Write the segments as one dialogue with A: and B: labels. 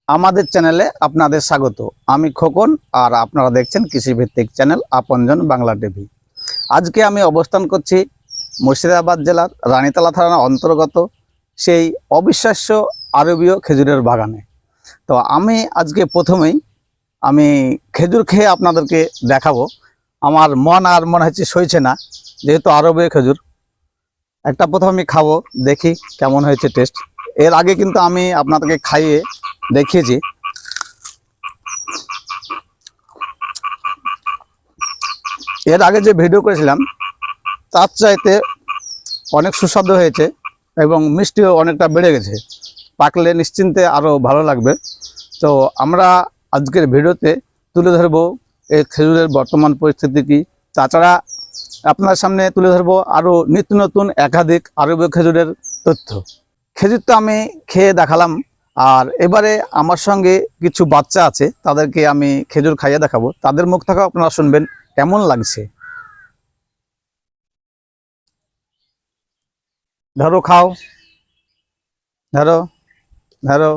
A: আমাদের চ্যানেলে আপনাদের স্বাগত। আমি খোকন আর আপনারা দেখছেন কৃষিভিত্তিক চ্যানেল আপনজন বাংলা টিভি। আজকে আমি অবস্থান করছি মুর্শিদাবাদ জেলার রানীতলা থানার অন্তর্গত সেই অবিশ্বাস্য আরবীয় খেজুরের বাগানে। তো আমি আজকে প্রথমেই খেজুর খেয়ে আপনাদেরকে দেখাবো। আমার মন আর মনে হচ্ছে সইছে না, যেহেতু আরবীয় খেজুর। একটা প্রথম আমি খাবো, দেখি কেমন হয়েছে টেস্ট। এর আগে কিন্তু আমি আপনাদেরকে খাইয়ে দেখিয়েছি। এর আগে যে ভিডিও করেছিলাম তার চাইতে অনেক সুস্বাদু হয়েছে এবং মিষ্টিও অনেকটা বেড়ে গেছে। পাকলে নিশ্চিন্তে আরও ভালো লাগবে। তো আমরা আজকের ভিডিওতে তুলে ধরবো এই খেজুরের বর্তমান পরিস্থিতি কী, তাছাড়া আপনার সামনে তুলে ধরবো আরও নিত্য নতুন একাধিক আরবীয় খেজুরের তথ্য। খেজুর তো আমি খেয়ে দেখালাম, আর এবারে আমার সঙ্গে কিছু বাচ্চা আছে, তাদেরকে আমি খেজুর খাইয়ে দেখাবো। তাদের মুখ থেকেও আপনারা শুনবেন কেমন লাগছে। ধরো, খাও, ধরো ধরো।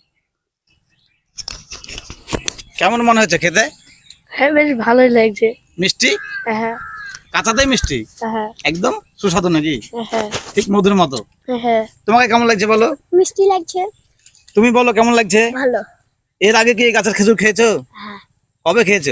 A: কেমন মনে হচ্ছে খেতে?
B: হ্যাঁ, বেশ ভালোই লাগছে।
A: মিষ্টি?
B: হ্যাঁ
A: কাঁচাতেই মিষ্টি,
B: হ্যাঁ
A: একদম সুস্বাদু নাকি?
B: হ্যাঁ
A: ঠিক মধুর মতো।
B: হ্যাঁ,
A: তোমাকে কেমন লাগছে বলো?
B: মিষ্টি লাগছে।
A: তুমি বলো কেমন লাগছে?
B: ভালো।
A: এর আগে কি এই গাছের খেজুর খেয়েছো?
B: হ্যাঁ,
A: কবে খেয়েছো?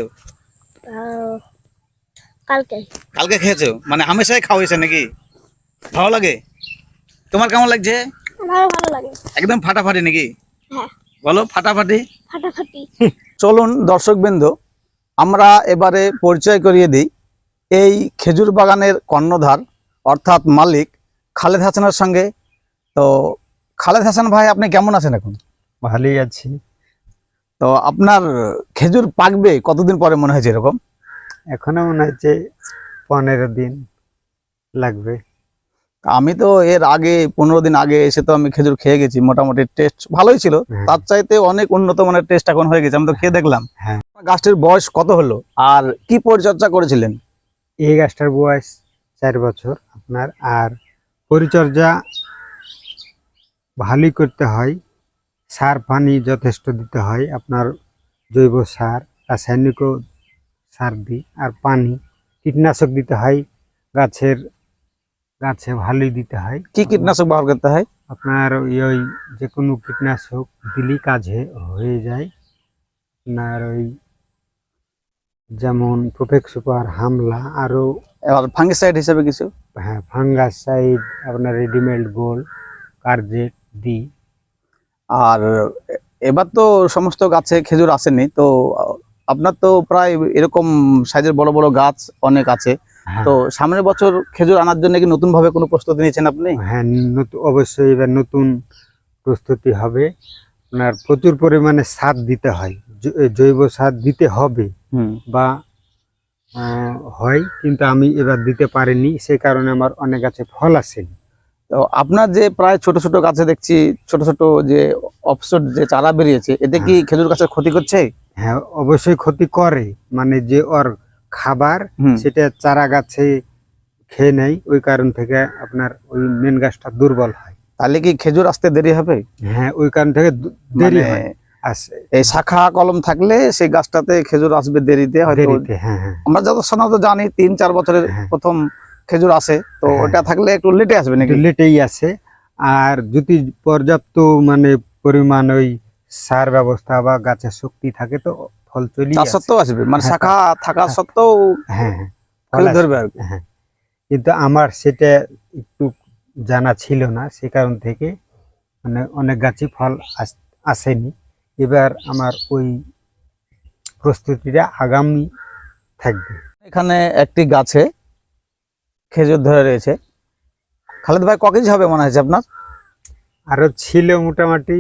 B: কালকে।
A: কালকে খেয়েছো, মানে হামেশাই খাওয়া হয়েছে নাকি? ভালো লাগে? তোমার কেমন লাগছে?
B: আমারও ভালো লাগে।
A: একদম ফাটাফাটি নাকি?
B: হ্যাঁ,
A: বলো ফাটাফাটি।
B: ফাটাফাটি।
A: চলুন দর্শকবৃন্দ, আমরা এবারে পরিচয় করিয়ে দিই এই খেজুর বাগানের কর্ণধার অর্থাৎ মালিক খালেদ হাসানের সঙ্গে। তো খালেদ হাসান ভাই, আপনি কেমন আছেন এখন?
C: ভালোই আছি।
A: তো আপনার খেজুর পাকবে কতদিন পরে মনে হয়েছে এরকম?
C: এখনো মনে হচ্ছে 15 দিন লাগবে।
A: আমি তো এর আগে 15 দিন আগে এসে তো আমি খেজুর খেয়ে গেছি, মোটামুটি টেস্ট ভালোই ছিল। তার চাইতে অনেক উন্নত মানের টেস্ট এখন হয়ে গেছে, আমি তো খেয়ে দেখলাম।
C: হ্যাঁ।
A: গাছটির বয়স কত হলো আর কি পরিচর্যা করেছিলেন?
C: এই গাছটার বয়স 4 বছর আপনার। আর পরিচর্যা ভালোই করতে হয়, সার পানি যথেষ্ট দিতে হয়। আপনার জৈব সার, রাসায়নিক সার দিই, আর পানি, কীটনাশক দিতে হয়। গাছে ভালোই দিতে হয়।
A: কি কীটনাশক ব্যবহার করতে হয়?
C: আপনার ওই যে কোনো কীটনাশক দিলেই কাজ হয়ে যায়। আপনার ওই যেমন প্রোফেক্স সুপার, হামলা, আরও
A: এবার ফাঙ্গিসাইড হিসেবে কিছু?
C: হ্যাঁ, ফাঙ্গাসাইড, আপনার রেডিমেড গোল, কার্জেট দিই।
A: আর এবার তো সমস্ত গাছে খেজুর আসেনি, তো আপনার তো প্রায় এরকম সাইজের বড় বড় গাছ অনেক আছে। তো সামনের বছর খেজুর আনার জন্য কি নতুন ভাবে কোনো প্রস্তুতি নিয়েছেন আপনি?
C: হ্যাঁ, অবশ্যই এবার নতুন প্রস্তুতি হবে। আপনার প্রচুর পরিমাণে সার দিতে হয়, জৈব সার দিতে হবে বা হয়, কিন্তু আমি এবার দিতে পারিনি, সেই কারণে আমার অনেক গাছে ফল আসেনি।
A: তো আপনার যে প্রায় ছোট ছোট গাছে দেখছি ছোট ছোট যে অফসট যে চারা বেরিয়েছে, এতে কি খেজুর গাছের ক্ষতি করছে?
C: হ্যাঁ, অবশ্যই ক্ষতি করে। মানে যে ওর খাবার সেটা চারা গাছে খেয়ে নেয়, ওই কারণ থেকে আপনার ওই মেন গাছটা দুর্বল হয়।
A: তাহলে কি খেজুর আসতে দেরি হবে?
C: হ্যাঁ, ওই কারণ থেকে দেরি হয়।
A: এই শাখা কলম থাকলে সেই গাছটাতে খেজুর আসবে দেরিতে হয়তো।
C: হ্যাঁ হ্যাঁ,
A: আমরা যত সাধারণত জানি 3-4 বছরের প্রথম খেজুর আসে, তো ওটা থাকলে একটু লেটে আসবে নাকি?
C: লেটেই আসে। আর যদি পর্যাপ্ত মানে পরিমাণ ওই সার ব্যবস্থা বা গাছের শক্তি থাকে তো ফল চলে
A: তার সত্ত্বেও আসবে, মানে শাখা থাকা সত্ত্বেও
C: হ্যাঁ
A: ফল ধরবে আর কি।
C: হ্যাঁ, কিন্তু আমার সেটা একটু জানা ছিল না, সে কারণ থেকে মানে অনেক গাছই ফল আসেনি। এবার আমার ওই প্রস্তুতিটা আগামী থাকবে।
A: এখানে একটি গাছে খেজুর ধরে রয়েছে। খালেদ ভাই, ক কেজি হবে মনে হয়েছে আপনার?
C: আরো ছিল মোটামুটি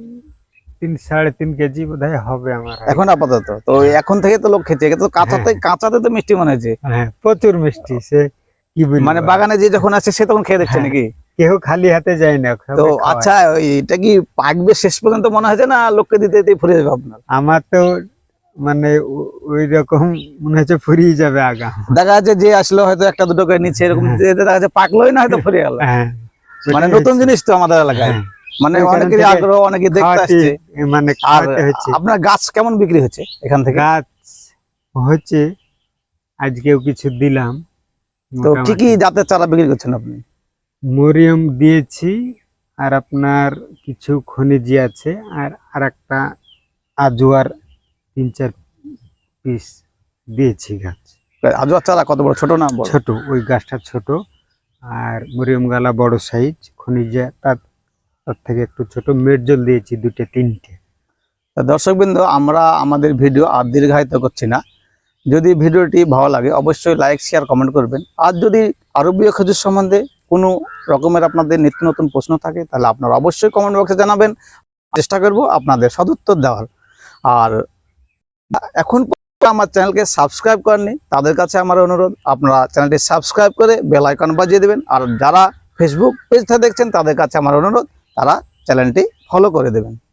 C: 3-3.5 কেজি বোধহয় হবে আমার
A: এখন আপাতত। তো এখন থেকে তো লোক খেতে, তো কাঁচাতে তো মিষ্টি মনে হচ্ছে।
C: হ্যাঁ, প্রচুর মিষ্টি। সে কি বলবো,
A: মানে বাগানে যে যখন আছে সে তখন খেয়ে দেখছে নাকি?
C: কেউ খালি হাতে যায় না।
A: তো আচ্ছা, এটা কি পাকবে শেষ পর্যন্ত মনে হয়েছে না লোককে দিতে দিতে ফুরিয়ে যাবে আপনার?
C: আমার তো মানে ওই রকম মনে হচ্ছে ফুরিয়ে যাবে আগা।
A: দেখা যাচ্ছে যে আসলো হয়তো একটা দুটো করে নিচ্ছে, এরকম দেখা যাচ্ছে পাকলোই না হয়তো ফুরিয়ে গেল। মানে নতুন জিনিস তো আমাদের এলাকায়। মানে
C: ওই কারণ
A: অনেকেরই
C: থেকে
A: আগ্রহ, অনেকে দেখতে
C: খাওয়াতে,
A: আসছে।
C: মানে
A: আর
C: খাওয়াতে হচ্ছে।
A: আপনার গাছ কেমন বিক্রি হচ্ছে এখান থেকে?
C: গাছ হচ্ছে আজকেও কিছু দিলাম।
A: তো কি কি
C: মোটামুটি
A: জাতের চারা বিক্রি করছেন আপনি?
C: মরিয়ম দিয়েছি, আর আপনার কিছু খনিজি আছে, আর একটা আজোয়ার 3-4 পিস দিয়েছি গাছ।
A: আজওয়া চারা কত বড়, ছোট না বড়?
C: ছোট, ওই গাছটা ছোট, আর মরিয়ম গালা বড় সাইজ, খনিজা তার থেকে একটু ছোট, মেডজল দিয়েছি 2-3টে।
A: দর্শকবৃন্দ, আমরা আমাদের ভিডিও আর দীর্ঘায়িত করছি না। যদি ভিডিওটি ভালো লাগে অবশ্যই লাইক, শেয়ার, কমেন্ট করবেন। আর যদি আরবীয় খেজুর সম্বন্ধে কোনো রকমের আপনাদের নিত্য নতুন প্রশ্ন থাকে তাহলে আপনারা অবশ্যই কমেন্ট বক্সে জানাবেন, চেষ্টা করব আপনাদের সদুত্তর দেওয়ার। আর এখন পর্যন্ত আমার চ্যানেলকে সাবস্ক্রাইব করেননি তাদের কাছে আমার অনুরোধ, আপনারা চ্যানেলটি সাবস্ক্রাইব করে বেল আইকন বাজিয়ে দেবেন। আর যারা ফেসবুক পেজ থেকে দেখছেন তাদের কাছে আমার অনুরোধ, তারা চ্যানেলটি ফলো করে দেবেন।